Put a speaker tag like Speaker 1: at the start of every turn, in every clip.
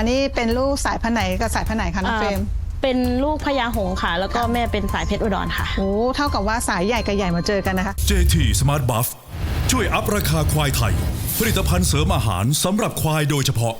Speaker 1: นี่เป็นลูกสายพันธุ์ไหนกับสายพันธุ์ไหนคะน้องเฟรม
Speaker 2: เป็นลูกพญาหงส์ค่ะ แล้วก็แม่เป็นสายเพชรอุดรค่ะ
Speaker 1: โอ้เท่ากับว่าสายใหญ่กับใหญ่มาเจอกันนะคะ
Speaker 3: JT Smart Buff ช่วยอัพราคาควายไทยผลิตภัณฑ์เสริมอาหารสำหรับควายโดยเฉพาะ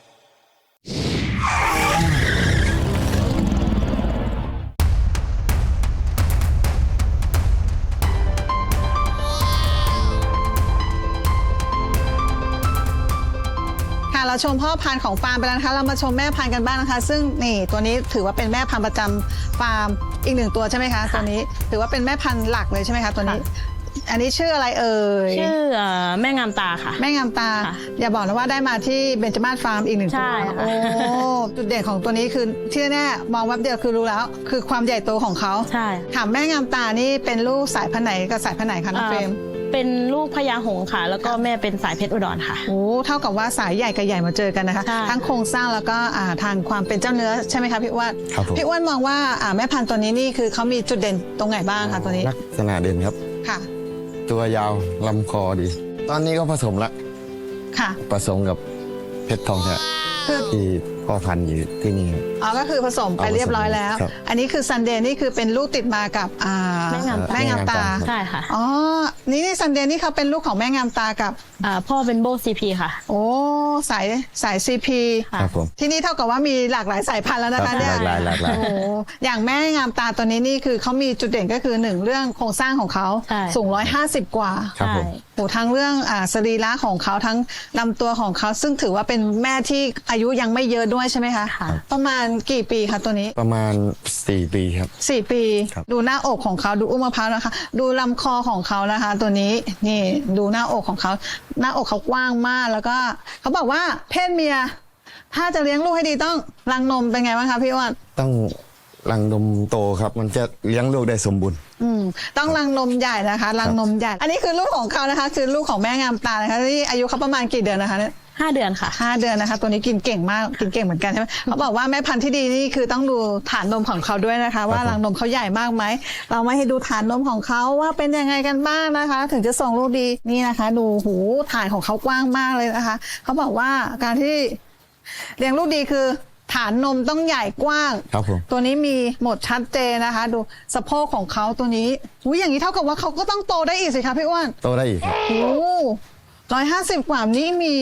Speaker 1: เราชมพ่อพันธุ์ของฟาร์มไปแล้วนะคะเรามาชมแม่พันธุ์กันบ้างนะคะซึ่งนี่ตัวนี้ถือว่าเป็นแม่พันธุ์ประจำฟาร์มอีกหนึ่งตัวใช่ไหมคะตัวนี้ถือว่าเป็นแม่พันธุ์หลักเลยใช่ไหมคะตัวนี้อันนี้ชื่ออะไรเอ่ย
Speaker 2: ชื่อแม่งามตาค่ะ
Speaker 1: แม่งามตาอย่าบอกนะว่าได้มาที่เบญจมาศฟาร์มอีกหนึ่งตัวโอ้จุดเด่นของตัวนี้คือที่แน่มองแวบเดียวคือรู้แล้วคือความใหญ่โตของเขา
Speaker 2: ใช่
Speaker 1: ถามแม่งามตานี่เป็นลูกสายพันธุ์ไหนกับสายพันธุ์ไหนคะน้องเฟรม
Speaker 2: เป็นลูกพญาหงส์ค่ะแล้วก็แม่เป็นสายเพชรอุดรค่ะ
Speaker 1: โอ้เท่ากับว่าสายใหญ่กับใหญ่มาเจอกันนะคะทั้งโครงสร้างแล้วก็ทางความเป็นเจ้าเนื้อใช่ไหมคะพี่อ้วนพี่อ้วนมองว่าแม่พันธุ์ตัวนี้นี่คือเขามีจุดเด่นตรงไหนบ้างคะตัวนี้
Speaker 4: ลักษณะเด่นครับ
Speaker 1: ค่ะ
Speaker 4: ตัวยาวลำคอดีตอนนี้ก็ผสมละ
Speaker 1: ค่ะ
Speaker 4: ผสมกับเพชรทองแท้ที่พ่อพันธุ์อยู่ที่นี่
Speaker 1: อ๋อก็คือผสมไปเรียบร้อยแล้วอันนี้คือซันเดย์นี่คือเป็นลูกติดมากับ
Speaker 2: แม่งามตาใช่ค่ะ
Speaker 1: อ๋อนี่ซันเดย์นี่เขาเป็นลูกของแม่งามตากับ
Speaker 2: พ่อเป็นโบซีพีค่ะ
Speaker 1: โอ้สายซีพี
Speaker 4: ครับผม
Speaker 1: ที่นี่เท่ากับว่ามีหลากหลายสายพันธุ์แล้วนะคะเนี่ย
Speaker 4: หลากหลาย
Speaker 1: โอ้อย่างแม่งามตาตัวนี้นี่คือเขามีจุดเด่นก็คือหนึ่งเรื่องโครงสร้างของเขาสูง150กว่า
Speaker 4: ครับผม
Speaker 1: โอ้ทั้งเรื่องสรีระของเขาทั้งลำตัวของเขาซึ่งถือว่าเป็นแม่ที่อายุยังไม่เยอะด้วยใช่ไหมคะประมาณกี่ปีคะตัวนี้
Speaker 4: ประมาณ4 ปีครับ
Speaker 1: 4 ปีดูหน้าอกของเขาดูอุ้งมะพร้าวนะคะดูลำคอของเขานะคะตัวนี้นี่ดูหน้าอกของเขาหน้าอกเขากว้างมากแล้วก็เขาบอกว่าเพศเมียถ้าจะเลี้ยงลูกให้ดีต้องรังนมเป็นไงบ้างคะพี่อ้วน
Speaker 4: ต้องรังนมโตครับมันจะเลี้ยงลูกได้สมบูรณ์
Speaker 1: ต้องรังนมใหญ่นะคะรังนมใหญ่อันนี้คือลูกของเขานะคะคือลูกของแม่งามตานะคะที่อายุเขาประมาณกี่เดือนนะคะเนี่ย
Speaker 2: 5 เดือนค่ะ
Speaker 1: 5 เดือนนะคะตัวนี้กินเก่งมากกินเก่งเหมือนกันใช่ไหมเขาบอกว่าแม่พันธุ์ที่ดีนี่คือต้องดูฐานนมของเขาด้วยนะคะว่ารังนมเขาใหญ่มากไหมเราไม่ให้ดูฐานนมของเขาว่าเป็นยังไงกันบ้างนะคะถึงจะส่งลูกดีนี่นะคะดูหูฐานของเขากว้างมากเลยนะคะเขาบอกว่าการที่เลี้ยงลูกดีคือฐานนมต้องใหญ่กว้าง
Speaker 4: ครับผม
Speaker 1: ตัวนี้มีหมดชัดเจนนะคะดูสะโพกของเขาตัวนี้อย่างนี้เท่ากับว่าเขาก็ต้องโตได้อีกสิคะพี่อ้วน
Speaker 4: โตได้อีก
Speaker 1: โอ้150 กว่านี้มี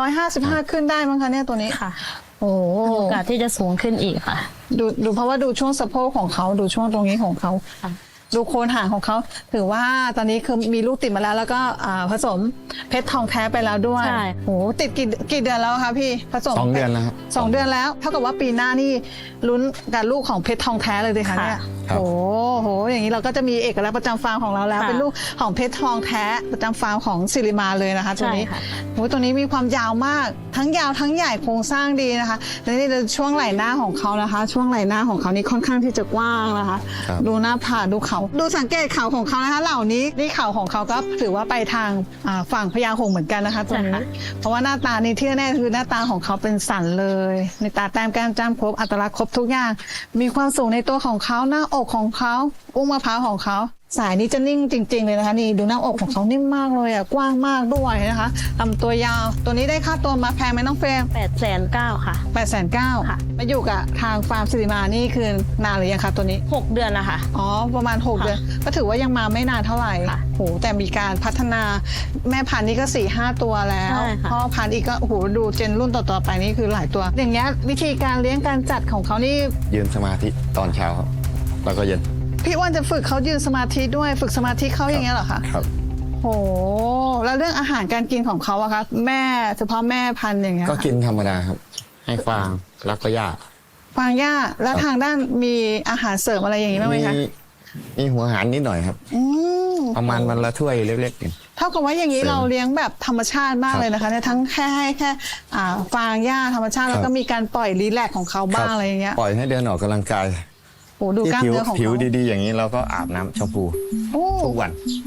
Speaker 1: 155ขึ้นได้มั้งคะเนี่ยตัวนี้
Speaker 2: ค่ะ
Speaker 1: โอ้
Speaker 2: โอกาสที่จะสูงขึ้นอีกค่ะ
Speaker 1: ดูเพราะว่าดูช่วงสะโพกของเขาดูช่วงตรงนี้ของเขาดูโคนหางของเขาถือว่าตอนนี้คือมีลูกติดมาแล้วก็ผสมเพชรทองแท้ไปแล้วด้วย
Speaker 2: ใช่
Speaker 1: โอ้ติดกี่เดือนแล้วคะพี่ผสม
Speaker 4: 2 เดือนแล้วครับ
Speaker 1: 2 เดือนแล้วเท่ากับว่าปีหน้านี่ลุ้นกับลูกของเพชรทองแท้เลยดิคะเนี่ยโอ้โหอย่างนี้เราก็จะมีเอกลักษณ์ประจำฟาร์มของเราแล้วเป็นลูกของเพชรทองแท้ประจำฟาร์มของสิริมาเลยนะคะตัวนี้โอ้ตัวนี้มีความยาวมากทั้งยาวทั้งใหญ่โครงสร้างดีนะคะและนี่ช่วงไหล่หน้าของเขานะคะช่วงไหล่หน้าของเขานี่ค่อนข้างที่จะกว้างนะคะดูหน้าผากดูเขาดูสังเกตเขาของเขานะคะเหล่านี้นี่เขาของเขาก็ถือว่าไปทางฝั่งพญาหงส์เหมือนกันนะคะตัวนี้เพราะว่าหน้าตานี่ที่แน่คือหน้าตาของเขาเป็นสันเลยในตาแต้มแก้มจ้ำครบอัตลักษณ์ครบทุกอย่างมีความสูงในตัวของเขาหน้าอกของเขาอุ้งมะพร้าวของเขาสายนี้จะนิ่งจริงๆเลยนะคะนี่ดูหน้าอกของเขานิ่มมากเลยกว้างมากด้วยนะคะลำตัวยาวตัวนี้ได้ค่าตัวมาแพงไหมน้องเฟรม
Speaker 2: 890,000ค่ะ
Speaker 1: 890,000ค่ะมาอยู่กับทางฟาร์มสิริมานี่คือนานหรือยังคะตัวนี้
Speaker 2: 6 เดือนแล้วค่ะ
Speaker 1: อ๋อประมาณ6 เดือนก็ถือว่ายังมาไม่นานเท่าไหร่โหแต่มีการพัฒนาแม่พันธุ์นี่ก็ 4-5 ตัวแล้วพ่อพันธุ์อีกก็โหดูเจนรุ่นต่อๆไปนี่คือหลายตัวอย่างเงี้ยวิธีการเลี้ยงการจัดของเขานี่
Speaker 4: ยืนสมาธิตอนเช้าครับแล้วก็เย็น
Speaker 1: พี่อ้วนจะฝึกเขายืนสมาธิด้วยฝึกสมาธิเขาอย่างเงี้ยเหรอคะ
Speaker 4: ครับ
Speaker 1: โหแล้วเรื่องอาหารการกินของเขาอะคะแม่เฉพาะแม่พันธุ์อย่างเงี้ย
Speaker 4: ก็กินธรรมดาครับให้ฟางแล้วก็หญ้า
Speaker 1: ฟางหญ้าแล้วทางด้านมีอาหารเสริมอะไรอย่างงี้บ้างไหมคะ
Speaker 4: มีหัวอาหารนิดหน่อยครับประมาณวันละถ้วยเล็ก
Speaker 1: ๆเท่ากับว่าอย่างนี้เราเลี้ยงแบบธรรมชาติมากเลยนะคะเนี่ยทั้งแค่ให้แค่ฟางหญ้าธรรมชาติแล้วก็มีการปล่อยรีแลกซ์ของเขาบ้างอะไรอย่างเงี้ย
Speaker 4: ปล่อยให้เดินออกกำลังกาย
Speaker 1: ดูกล้ามเนื้อของ
Speaker 4: ผิวดีๆอย่างนี้เราก็อาบน้ำชมพูทุกวันเ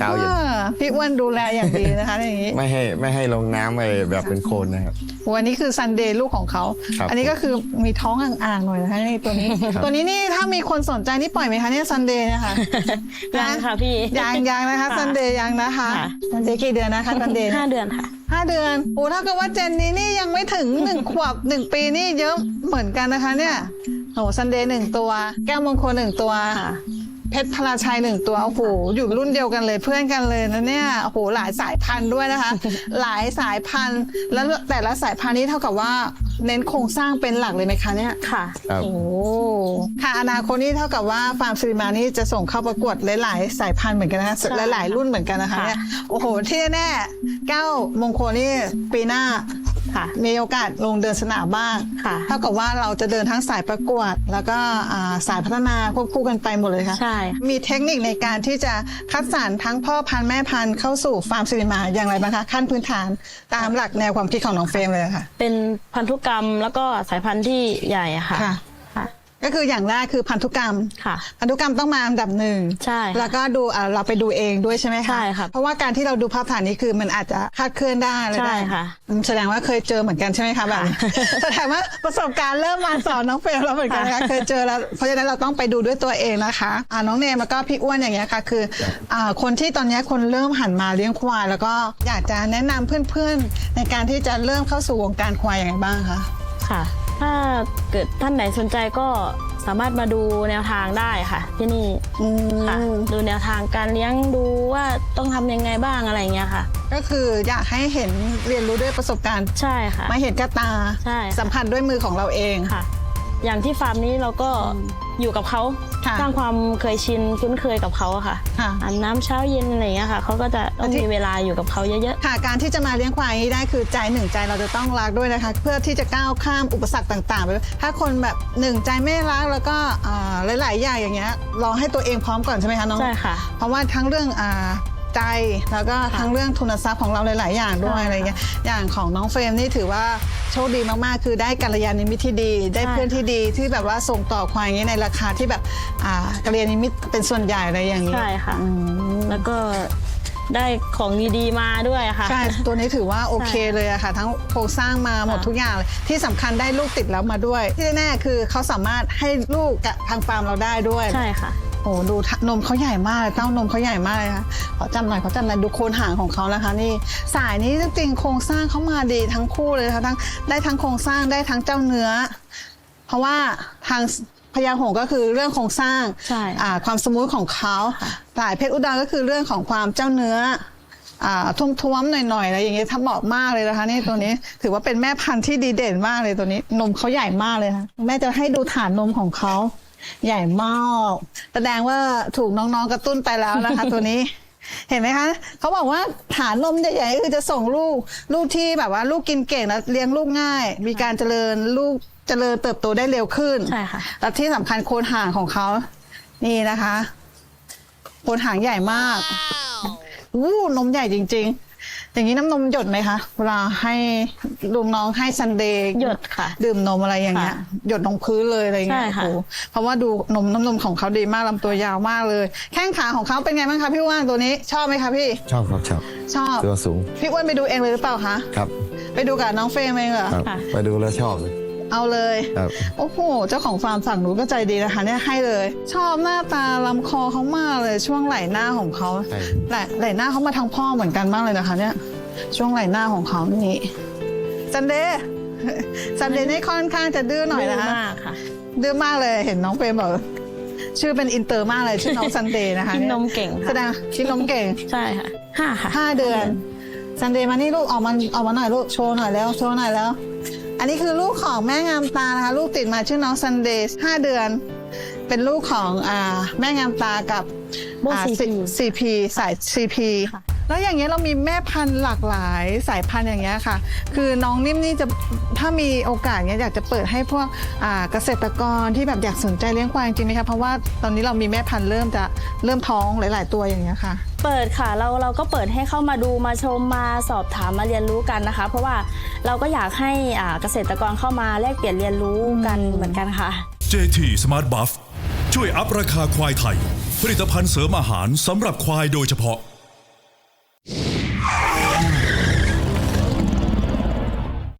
Speaker 4: กาวอยู่
Speaker 1: พี่อ้วนดูแลอย่างดีนะคะอย่างนี้
Speaker 4: ไม่ให้ลงน้ำไปแบบเป็นโคลนนะครับ
Speaker 1: วันนี้คือซันเดย์ลูกของเขา
Speaker 4: ครับ
Speaker 1: อันนี้ก็คือมีท้องอ่างๆหน่อยนะคะนี่ตัวนี้
Speaker 4: ครับ
Speaker 1: ตัวนี้นี่ถ้ามีคนสนใจนี่ปล่อยไหมคะเนี่ยซันเดย์นะคะ
Speaker 2: ยังค่ะพี่
Speaker 1: ยังนะคะซันเดย์ยังนะคะ
Speaker 2: ค่ะ
Speaker 1: ซันเดย์กี่เดือนนะคะซันเดย์
Speaker 2: 5 เดือนค่ะ
Speaker 1: 5 เดือนโอ้ถ้าเกิดว่าเจนนี้นี่ยังไม่ถึง 1 ขวบ 1 ปีนี่เยอะเหมือนกันนะคะเนี่ยโอ้ซันเดย์1 ตัว แก้วมงคล1 ตัว
Speaker 2: ค่ะ
Speaker 1: เพชรพลาชัย1 ตัวโอ้โหอยู่รุ่นเดียวกันเลยเพื่อนกันเลยนะเนี่ยโอ้โหหลายสายพันธุ์ด้วยนะคะ หลายสายพันธุ์แล้วแต่ละสายพันธุ์นี้เท่ากับว่าเน้นโครงสร้างเป็นหลักเลยไหมคะเนี่ย
Speaker 2: ค่ะ
Speaker 4: ครับ
Speaker 1: โอ้ค่ะอนาคตนี่เท่ากับว่าฟาร์มซิริมานี่จะส่งเข้าประกวดหลายๆสายพันธุ์เหมือนกันนะคะ
Speaker 2: ใช่
Speaker 1: หลายๆรุ่นเหมือนกันนะคะ
Speaker 2: ค่ะ
Speaker 1: เนี่ยโอ้โหที่แน่ๆแก้วมงคลนี่ปีหน้า
Speaker 2: ค่ะ
Speaker 1: มีโอกาสลงเดินสนามบ้าง
Speaker 2: ค่ะ
Speaker 1: เท่ากับว่าเราจะเดินทั้งสายประกวด แล้วก็สายพัฒนาควบคู่กันไปหมดเลยค่ะ
Speaker 2: ใช่
Speaker 1: มีเทคนิคในการที่จะคัดสรรทั้งพ่อพันธุ์แม่พันธุ์เข้าสู่ฟาร์มซิริมาอย่างไรบ้างคะขั้นพื้นฐานตามหลักแนวความคิดของน้องเฟรมเลยค่ะ
Speaker 2: เป็นพันธุกรรมแล้วก็สายพันธุ์ที่ใหญ่อะค่ะ
Speaker 1: ค่ะ
Speaker 2: ค่ะ
Speaker 1: ก็คืออย่างแรกคือพันธุกรรม
Speaker 2: ค่ะ
Speaker 1: พันธุกรรมต้องมาอันดับหนึ่ง
Speaker 2: ใช่ค่ะ
Speaker 1: แล้วก็ดูเราไปดูเองด้วยใช่ไหมคะ
Speaker 2: ใช่ค่ะ
Speaker 1: เพราะว่าการที่เราดูภาพถ่ายนี้คือมันอาจจะคลาดเคลื่อนได้อะไร
Speaker 2: ใช่
Speaker 1: ได้
Speaker 2: ค่ะ
Speaker 1: แสดงว่าเคยเจอเหมือนกันใช่ไหมคะแบบนี้ แสดงว่าประสบการณ์เริ่มมาสอนน้องเฟรมแล้วเหมือนกันนะคะ
Speaker 2: ค่ะ
Speaker 1: เคยเจอแล้วเพราะฉะนั้นเราต้องไปดูด้วยตัวเองนะคะน้องเนมแล้วก็พี่อ้วนอย่างเงี้ยค่ะคือคนที่ตอนนี้คนเริ่มหันมาเลี้ยงควายแล้วก็อยากจะแนะนำเพื่อนๆในการที่จะเริ่มเข้าสู่วงการควายอย่างไรบ้างคะ
Speaker 2: ค่ะ ถ้าเกิดท่านไหนสนใจก็สามารถมาดูแนวทางได้ค่ะ ที่นี่ค่ะ ดูแนวทางการเลี้ยงดูว่าต้องทำยังไงบ้างอะไรอย่างเงี้ยค่ะ
Speaker 1: ก็คืออยากให้เห็นเรียนรู้ด้วยประสบการณ์
Speaker 2: ใช่ค่ะ
Speaker 1: มาเห็นกับตา
Speaker 2: ใช่ค่ะ
Speaker 1: สัมผัสด้วยมือของเราเอง
Speaker 2: ค่ะ อย่างที่ฟาร์มนี้เราก็อยู่กับเขา
Speaker 1: ค่ะ
Speaker 2: สร้างความเคยชินคุ้นเคยกับเขาอะค่ะ
Speaker 1: ค่ะ
Speaker 2: อาบน้ำเช้าเย็นอะไรอย่างเงี้ยค่ะเขาก็จะต้องมีเวลาอยู่กับเขาเยอะ
Speaker 1: ค่ะการที่จะมาเลี้ยงควายอย่างนี้ได้คือใจหนึ่งใจเราจะต้องรักด้วยนะคะ เพื่อที่จะก้าวข้ามอุปสรรคต่างๆไปถ้าคนแบบหนึ่งใจไม่รักแล้วก็หลายๆอย่างอย่างเงี้ยรอให้ตัวเองพร้อมก่อนใช่ไหมคะน้อง
Speaker 2: ใช่ค่ะ
Speaker 1: เพราะว่าทั้งเรื่องใจแล้วก็ทั้งเรื่องทุนทรัพย์ของเราหลายๆอย่างด้วย
Speaker 2: ใช่ค่ะ
Speaker 1: อะไรเงี้ยอย่างของน้องเฟรมนี่ถือว่าโชคดีมากๆ คือได้กัลยาณมิตรที่ดี ได้
Speaker 2: ใช่
Speaker 1: เพื่อนที่ดีที่แบบว่าส่งต่อควายอย่างนี้ในราคาที่แบบกัลยาณมิตรเป็นส่วนใหญ่อะไรอย่างนี้
Speaker 2: ใช่ค่ะ
Speaker 1: อืม
Speaker 2: แล้วก็ได้ของดีๆมาด้วยค่ะ
Speaker 1: ใช่ ตัวนี้ถือว่าโอเคเลยอะค่ะ ทั้งโครงสร้างมาหมดทุกอย่างเลยที่สำคัญได้ลูกติดแล้วมาด้วย ที่แน่ๆคือเขาสามารถให้ลูกกับทางฟาร์มเราได้ด้วย
Speaker 2: ใช่ค่ะ
Speaker 1: โอ้ดูนมเขาใหญ่มากเลยเต้านมเขาใหญ่มากเลยค่ะขอจำหน่อยดูโคนหางของเขานะคะนี่สายนี้จริงๆโครงสร้างเขามาดีทั้งคู่เลยนะคะได้ทั้งโครงสร้างได้ทั้งเจ้าเนื้อ เพราะว่าทางพญาหงส์ก็คือเรื่องโครงสร้าง
Speaker 2: ใช่
Speaker 1: ความสมูทของเขาสายเพชรอุดรก็คือเรื่องของความเจ้าเนื้อท้วมๆหน่อยๆอะไรอย่างเงี้ยถ้าเหมาะมากเลยนะคะนี่ตัวนี้ถือว่าเป็นแม่พันธุ์ที่ดีเด่นมากเลยตัวนี้นมเขาใหญ่มากเลยค่ะแม่จะให้ดูฐานนมของเขาใหญ่มากแสดงว่าถูกน้องๆกระตุ้นไปแล้วนะคะ ตัวนี้เห็นไหมคะเขาบอกว่าฐานนมใหญ่ๆก็คือจะส่งลูกที่แบบว่าลูกกินเก่งแล้วเลี้ยงลูกง่าย มีการเจริญลูกเจริญเติบโตได้เร็วขึ้น
Speaker 2: ใช่ค่ะ
Speaker 1: และที่สำคัญโคนหางของเขานี่นะคะโคนหางใหญ่มากนมใหญ่จริงๆ อย่างนี้น้ำนมหยดไหมคะเวลาให้ลุงน้องให้ซันเดย์
Speaker 2: หยดค่ะ
Speaker 1: ดื่มนมอะไรอย่างเงี้ย
Speaker 2: ค่ะ
Speaker 1: หยดลงพื้นเลยอะไรเงี้ย
Speaker 2: ใช่ค่ะ
Speaker 1: โอ้โหเพราะว่าดูน้ำนมของเขาดีมากลำตัวยาวมากเลย แข้งขาของเขาเป็นไงบ้างคะพี่อ้วนตัวนี้ชอบไหมคะพี่
Speaker 4: ชอบครับชอบ
Speaker 1: ชอบ
Speaker 4: ตัวสูง
Speaker 1: พี่อ้วนไปดูเองเลยหรือเปล่าคะ
Speaker 4: ครับ
Speaker 1: ไปดูกับน้องเฟรมเองเหรอ
Speaker 4: ครับ
Speaker 2: ค่ะ
Speaker 4: ไปดูแล้วชอบเลย
Speaker 1: เอาเลย
Speaker 4: ครับ
Speaker 1: โอ้โห เจ้าของฟาร์มสั่งหนูก็ใจดีนะคะเนี่ยให้เลย ชอบหน้าตาลำคอเขามากเลยช่วงไหล่หน้าของเขา
Speaker 4: ใช่
Speaker 1: ไหล่หน้าเขามาทางพ่อเหมือนกันมากเลยนะคะเนี่ยช่วงไหล่หน้าของเขานี่ซันเดย์ซันเดย์นี่ค่อนข้างจะดื้อหน่อยนะคะ
Speaker 2: ดื้มากค่ะ
Speaker 1: ดื้อมากเลยเห็นน้องเฟรมบอกชื่อเป็นอินเตอร์มากเลยชื่อน้องซันเดย์นะคะ
Speaker 2: กินนมเก่งค่ะ
Speaker 1: แสดงกินนมเก่ง
Speaker 2: ใช่ค่ะ5 ค่ะ
Speaker 1: 5 เดือนซันเดย์มานี่ลูกออกมาหน่อยลูกโชว์หน่อยแล้วโชว์หน่อยแล้ว อันนี้คือลูกของแม่งามตานะคะลูกติดมาชื่อน้องซันเดย์5 เดือน เป็นลูกของแม่งามตากับ
Speaker 2: โบ
Speaker 1: CP สาย CP
Speaker 2: ค่ะ
Speaker 1: แล้วอย่างเงี้ยเรามีแม่พันธุ์หลากหลายสายพันธุ์อย่างเงี้ยค่ะ คือน้องนิ่มนี่จะถ้ามีโอกาสเนี้ยอยากจะเปิดให้พวกเกษตรกรที่แบบอยากสนใจเลี้ยงควายจริงไหมคะเพราะว่าตอนนี้เรามีแม่พันธุ์เริ่มท้องหลาย ๆ ตัวอย่างเงี้ยค่ะ
Speaker 2: เปิดค่ะเราก็เปิดให้เข้ามาดูมาชมมาสอบถามมาเรียนรู้กันนะคะ เพราะว่าเราก็อยากให้เกษตรกรเข้ามาแลกเปลี่ยนเรียนรู้กันเหมือนกันค่ะ
Speaker 3: JT Smart Buff ช่วยอัพราคาควายไทย ผลิตภัณฑ์เสริมอาหารสำหรับควายโดยเฉพาะ